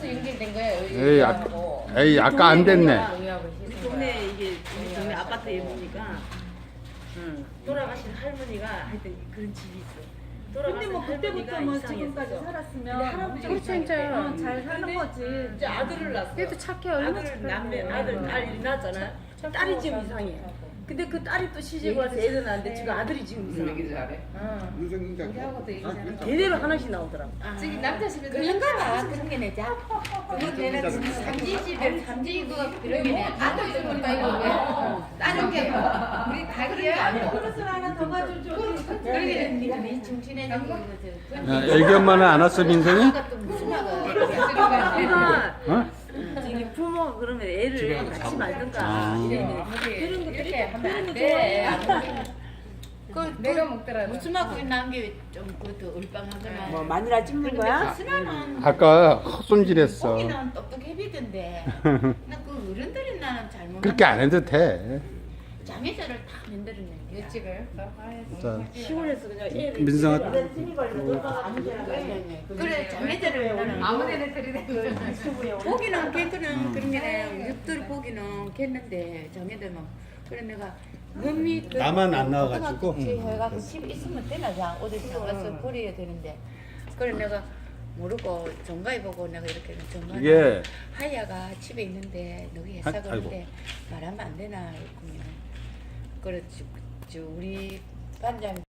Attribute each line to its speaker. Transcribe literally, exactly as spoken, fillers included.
Speaker 1: 벌써 연결된 거예요.
Speaker 2: 에이, 아, 에이 아까 안 됐네.
Speaker 3: 우리 동네 이게 우리 동네 아파트에 보니까 응. 돌아가신 할머니가 하여튼 그런 집이 있어.
Speaker 4: 근데 뭐 그때부터 뭐 지금까지 살았으면
Speaker 3: 할아버지가
Speaker 1: 그렇죠, 진짜.
Speaker 4: 어, 잘 사는 거지.
Speaker 3: 이제 아들을 낳았어.
Speaker 1: 그래도 착해, 얼마나
Speaker 3: 아들
Speaker 1: 착해.
Speaker 3: 남매 아들 딸이 낳았잖아. 딸이 지금 이상해. 근데 그 딸이 또 시집 와서 애를 낳았는데 지금 아들이 지금 이상해.
Speaker 5: 잘해.
Speaker 1: 우리하고도 얘기하는 거.
Speaker 3: 대대로 하나씩 나오더라고.
Speaker 1: 저기 남자 집에 그런가 봐. 그런 게 내자. 그거는 삼지 집에 삼지 그 그런 게 내. 아들 집은 이거 왜? 다른 게 뭐. 우리 다 그런 게 아니야.
Speaker 4: 그릇을 하나 더 가져줘.
Speaker 1: 그런 게 네가 네 정신해진 거거든.
Speaker 2: 야, 애기 엄마는 안 왔어 민성이?
Speaker 1: 아가 또 무슨 아가?
Speaker 3: 그러니까
Speaker 2: 어?
Speaker 3: 이게 부모가 그러면 애를 낳지 말든가
Speaker 2: 아.
Speaker 3: 이래.
Speaker 1: 그런 것들이 이렇게 하면 안 돼. 그 내가 먹더라도 무슨 막고 남게 좀 그것도 얼빵하거나.
Speaker 3: 뭐 마누라 찍는 거야?
Speaker 1: 순아는
Speaker 2: 아까 헛손질했어.
Speaker 1: 고기는 똑똑해비던데. 나그 어른들이 나는 잘못.
Speaker 2: 그렇게 안 해도 돼.
Speaker 1: 장애자를 다 만들어낸 거야. 일찍을.
Speaker 2: 자,
Speaker 3: 시골에서 그냥 애를
Speaker 2: 민성아.
Speaker 1: 그래 장애자를 나는 아무데나 들이대. 고기는 개그는 그런 게 육들 고기는 겠는데 장애들만. 그래 내가 몸이 그
Speaker 2: 나만 안 나와가지고.
Speaker 1: 해가지고 집에 있으면 되나 자 어디 나가서 버려야 되는데. 그래 내가 모르고 정가에 보고 내가 이렇게 정가
Speaker 2: 이게
Speaker 1: 하야가 집에 있는데 너희
Speaker 2: 아,
Speaker 1: 회사 가는데 말하면 안 되나 했군요. 그렇지 우리 반장